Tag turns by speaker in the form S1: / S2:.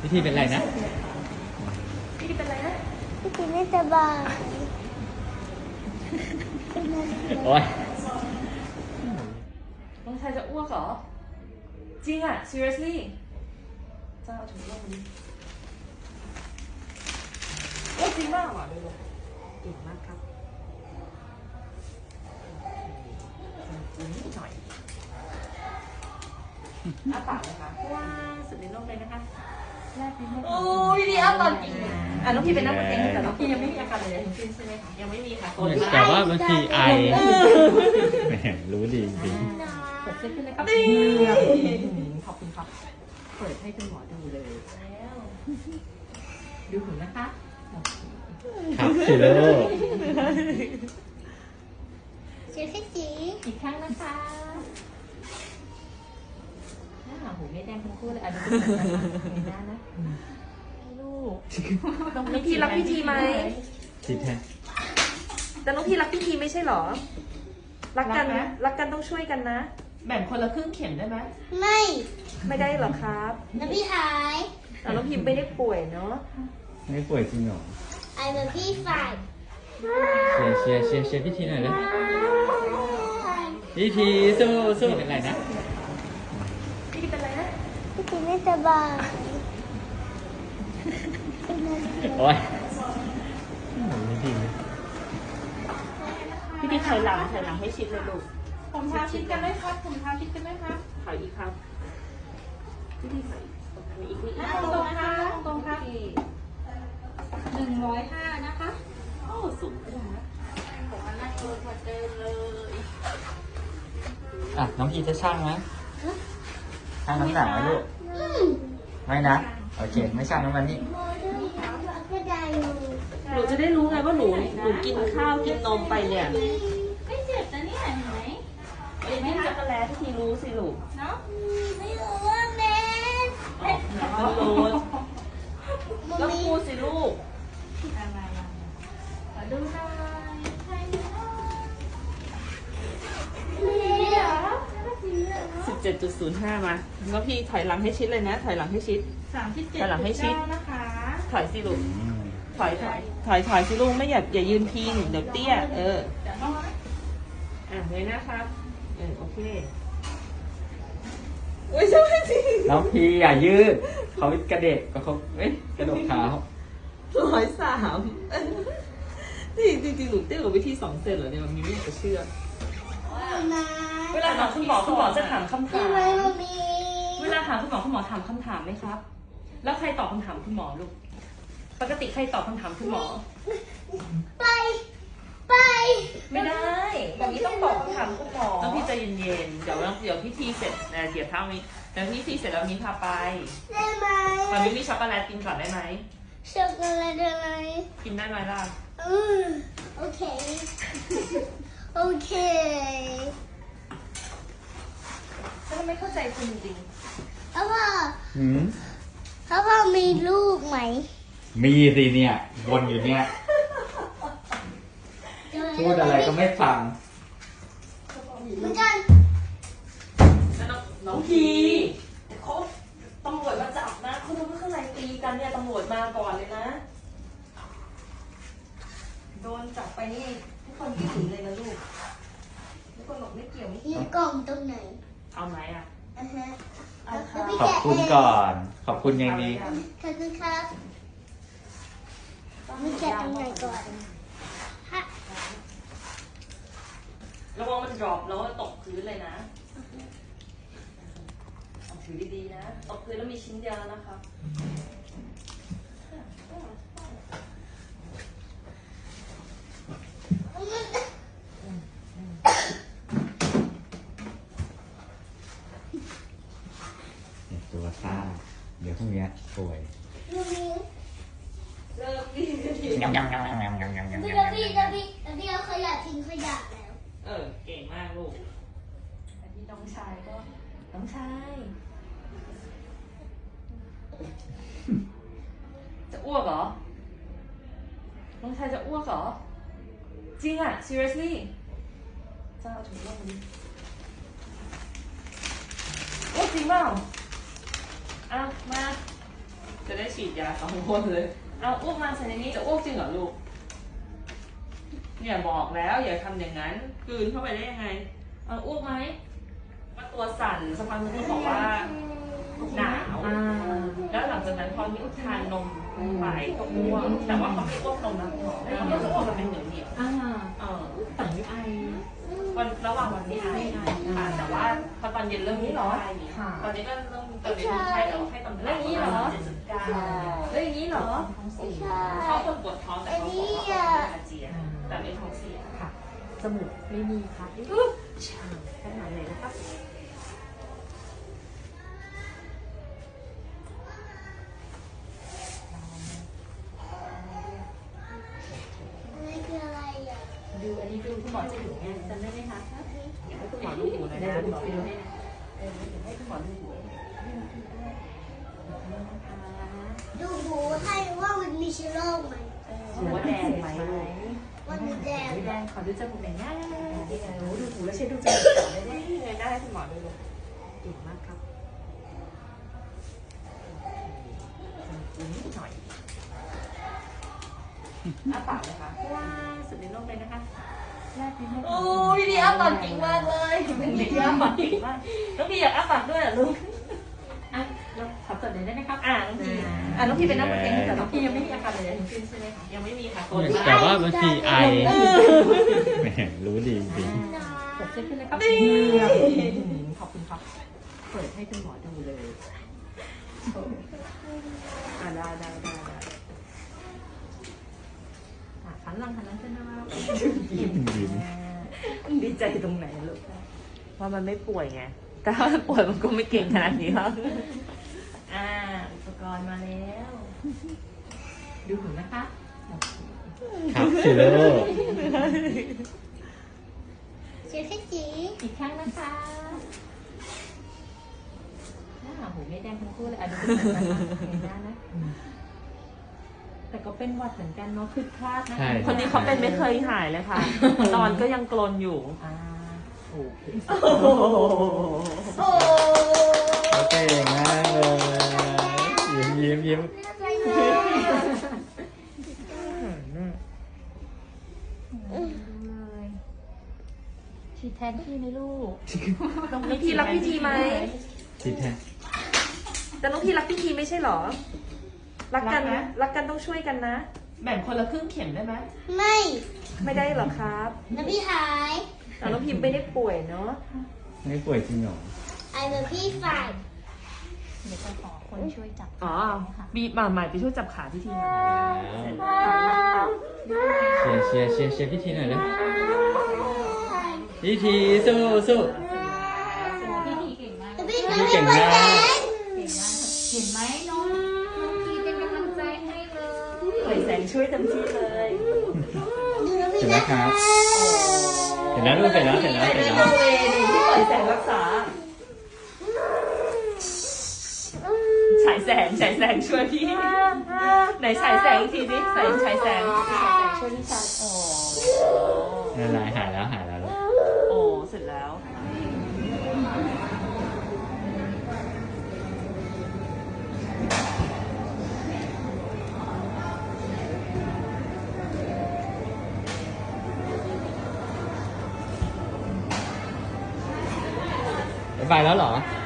S1: พี่ทีเป็นไรนะ
S2: พี่ทีเป็นไรนะ
S3: พี่ทีไม่สบาย
S1: โอ๊ย
S2: น้องชายจะอ้วกเหรอจริงอ่ะ seriously จะเอาถุงลงดิอ้วกจริงมากอ่ะดูเก่งมากครับนิดหน่อยอ้าปากเลยค่ะว้าสุดในโลกเลยนะคะแรกนิดนึงโอ้ยดีอ้าตอนกินน้องพี่เป็นนักเองแต่น้องพี่ยังไม่มีอาการอะไรทั้งสิ้นใช่ไหมคะยังไม่มีค่ะคน
S1: แต่ว่าบางทีไอแหมรู้ดีจริง
S2: เปิดเสื้อขึ้นเลยครับขอบคุณครับเปิดให้คุณหมอดูเลยแล้วดูหูนะคะ
S1: ครับสิโล
S3: เสียแค่สี
S2: อีกครั้งนะคะหน้าหูไม่แดงทั้งคู่เลยอ่ะดูไม่ได้นะลูกน้องพี่รักพี่ทีไหม
S1: ทีแทน
S2: แต่น้องพี่รักพี่ทีไม่ใช่หรอรักกันรักกันต้องช่วยกันนะแบ่งคนละครึ่งเข็มได้ไหมไม่ได้หรอครับ
S3: แล้วพี่หาย
S2: แต่น้องพิมไม่ได้ป่วยเนาะ
S1: ไม่ป่วยจริงหรอ
S3: ไอ้แบบพี่ฝ่าย
S1: เชียร์พี่ทีหน่อยเลยพี่ทีสู้เป็นไรนะ
S2: พี่ทีเป็นไรนะ
S3: พี่ทีไม่สบาย
S1: โอ๊ยไม่ดี
S2: พี่ทีถอยหลังให้ชิดเลยลูก
S4: ผมทาชิดกันได้ครับผมทาชิดกันได้ครับ
S2: ถอยอีกครับพี่ทีถอยอีกนิด
S4: ตรงค่ะตรงค่ะ105นะคะ
S2: โอ้สูงนะ
S4: ผมมานั่งดูพอเจอเลย
S1: อ่ะน้องพีจะช่างไหมช่างน้ำหนักไหมลูกไม่นะโอเคไม่ช่างน้ำมันนี่
S2: หนูจะได้รู้ไงว่าหนูกินข้าวกินนมไปเนี่ย
S4: ไม่เจ็บนะเนี่ยเห็นไหม
S2: เอ็นนี่จักรแล้ที่ทีรู้สิลูก
S4: เนาะ
S3: ไม่รู้ว่าแม่
S2: มันรู้แล้วพูดสิลูก
S4: อะไรขอดูหน่อยใช่
S2: 17.05 มาแล้วพี่ถอยหลังให้ชิดเลยนะถอยหลังให้ชิดถอยหลังให้ชิด
S4: นะคะ
S2: ถอยสิลูกถอยสิลูกไม่อย่ายืนพิงเดี๋ยวเตี้ยเลยนะครับโอเคโอ้ยใช่จริง
S1: น้องพีอย่ายืดเขากระเดกก็เขากระโดดเท้า
S2: 103นี่จริงๆหนูเตี้ยกว่าวิธี2 เซนเหรอเนี่ยมันมีไม่อยากจะเชื่อเวลาถามคุณหมอจะถามคำถามเวลาถามคุณหมอถามคำถามไหมครับแล้วใครตอบคำถามคุณหมอลูกปกติใครตอบคำถามคุณหมอ
S3: ไป
S2: ไม่ได้แบบนี้ต้องตอบคำถามคุณหมอต้องพี่ใจเย็นๆเดี๋ยวพี่ทีเสร็จเกี่ยวเท่านี้แต่พี่ทีเสร็จแล้วนี้พาไป
S3: ได้ไหม
S2: ตอนนี้มีช็อกโกแลตกินก่อนได้ไหม
S3: ช็อกโกแลตอะไร
S2: กินได้ไหมล่ะ
S3: โอเค
S2: ฉันไม่เข้าใจคุณจริง
S3: พ่อมีลูกไหม
S1: มีสิเนี่ยวนอยู่เนี่ยพูดอะไรก็ไม่ฟัง
S3: เหมือนกัน
S2: น้องพีเขาตำรวจมาจับนะเขาดูว่าข้างในตีกันเนี่ยตำรวจมาก่อนเลยนะโดนจับไปนี่ทุกคนวิ่งหนีเลยนะลูกทุกคนบอกไม่เกี่ยว
S3: มีกล่องตรงไหน
S2: เอาไหม
S1: ขอบคุณก่อนขอบคุณยังดี
S3: ขอบคุณครับมีแกะตรงไหนก่อน
S2: ระวังมันดรอปแล้วตกพื้นเลยนะถือดีๆนะตกพื้นแล้วมีชิ้นเดียวนะคะ
S1: ตัวซ่าเดี๋ยวพรุ่งนี้ป่วย
S2: เริ่มดี
S3: พี่เอาขยะทิ้งขยะแล้ว
S2: เก่งมากลูกอันนี้น้องชายก็น้องชายจะอ้วกเหรอน้องชายจะอ้วกเหรอจริงอ่ะ seriously จะเอาถุงลงดิอ้วกจริงเปล่ามาจะได้ฉีดยา2 คนเลยเอาอ้วกมาใส่ในนี้จะอ้วกจริงเหรอลูกเนี่ยบอกแล้วอย่าทำอย่างนั้นกลืนเข้าไปได้ยังไงเอาอ้วกไหมว่าตัวสั่นสักพักนึงบอกว่าหนาวแล้วหลังจากนั้นพอมีอุทานนมไปก็อ้วกแต่ว่าเขาไม่อ้วกนมนะคุณหมอเขาก็จะอ้วกมันเป็นเหนียวเหนียว
S4: แต่ไม่ไอ
S2: วันระหว่างวันนี้ไอค่ะแต่ว่าพอตอนเย็นเริ่มมีไข้ตอนนี้ก็เริ่มตอนนี้มีไข้แต่ว่าไข้ตอนเรื่องนี้เหรอเรื่องนี้เหรอชอบคนปวดท้องแต่เขาบอกว่าเขาอาเจียนแต่ไม่ท้องเสีย
S4: ค่ะจมูกไม่มีค่ะชาแค่นั้นเลยนะครับ
S3: นี่คืออะไรอ่ะ
S4: ดูอันนี้ดูคุณหมอจะอยู่ไงจำได้ไหมคะ
S2: อยากให้คุณหมอดูหูหน่อย
S4: เดี๋ยว
S2: นะ
S4: ดู
S2: คุณหมอ
S4: ไปดูให้นะ
S2: ให้คุณหมอดูหู
S3: ดูหูให้ว่ามันมีเชื้อโรคไหม
S2: หูว่าแดงไหมลูก
S3: ว่ามีแดง
S4: แดงขอดูจมูกหน่อยนะดูหูแล้วใช้ดูจมูกต่อได้ไหม
S2: ได้ให้คุณหมอดูลูก
S4: เก่งมากครับ
S2: นิดหน่อยอ้าปากเลยค่ะ
S4: ว้าสุดในโลกเลยนะคะแรกนี้
S2: โอ้ยพี่อ้าปากเก่งมากเลยเป็นเด็กที่อ้าปากเก่งมากน้องพี่อยากอ้าปากด้วยเหรอลูก
S4: อ่ะเราขอจดเลยได้ไหมครับ
S2: น้องพี่น้องพี่เป็นนักเรียนแต่
S4: แต่
S2: น้
S4: น้
S2: อ
S4: อง ง
S2: พี่
S4: พี่ยังไม่มีอาการอะไรทั้งสิ้นใช่ไหมคะ
S2: ยังไม่มีค่ะ
S1: แต่ว่าบางทีไอแหมรู้ดีจริง
S4: กดเช็คขึ้นเลยครับขอบคุณครับ เปิดให้คุณหมอดูเลยได้หันหลังขึ้นนะครับ
S1: ยิ้ม
S2: ดีใจตรงไหนลูกว่ามันไม่ป่วยไงแต่ถ้ามันป่วยมันก็ไม่เก่งขนาดนี้หรอกอุปกรณ์มาแล้ว
S4: ดูหูนะคะ
S1: ครับสิโลก
S3: เชื้อแค่จี
S4: อีกครั้งนะคะหูไม่แดงทั้งคู่เลยดูเหมือนกันนะแต่ก็เป็นหวัดเหมือนกันเนาะคือคลาดนะ
S2: คนนี้เขาเป็นไม่เคยหายเลยค่ะ นอนก็ยังกรนอยู่
S4: โอเค
S3: โอ้
S1: เก่งมากเลยยิ้ม
S3: อะไรเนี่ย
S4: ฉีดแทนพี่ไหมลูก
S2: น้องพี่รักพี่ทีไหม
S1: คิดแท้
S2: แต่น้องพี่รักพี่ทีไม่ใช่หรอ รักกันนะรักกันต้องช่วยกันนะ แบ่งคนละครึ่งเข็มได้ไหม
S3: ไม่
S2: ไม่ได้หรอครับ
S3: แล้วพี่หาย
S2: แต่น้องพิมไม่ได้ป่วยเนาะ
S1: ไม่ป่วยจริงหรอ
S3: ไอ้เหมือนพี่ฝ่าย
S4: เดี๋ยวจะขอคนช่วยจับ
S2: อ๋อบีบมาใหม่ไปช่วยจับขาพี่ทีหน่อย
S1: เชียร์พี่ทีหน่อยเลยพี่ทีสู้
S4: พี่ทีเก่งมาก
S3: แล้วพี่
S1: พี่
S3: ไม่
S1: เก่ง
S3: ไหว
S1: มาก
S3: แล้ว
S4: เก่งมากเห็นไหมน้องทีเป็นกำลังใจให้เลย
S2: ปล่อยแสงช่วยเต็มที่เลย
S3: ดูแล้วพี่
S1: เห็นไหม
S3: นะครับ
S1: เห็นแล้วลูกเห็นแล้ว
S2: ที่ปล่อยแสงรักษาฉายแสงช่วยพี่ไหนฉายแสงอีกทีดิฉายแสง
S4: ช่วยพี่ชาย
S2: โอ้
S1: นั่นแหละหายแล้วลูก
S2: โอ้เสร็จแล้ว
S1: บ๊ายบายแล้วเหรอ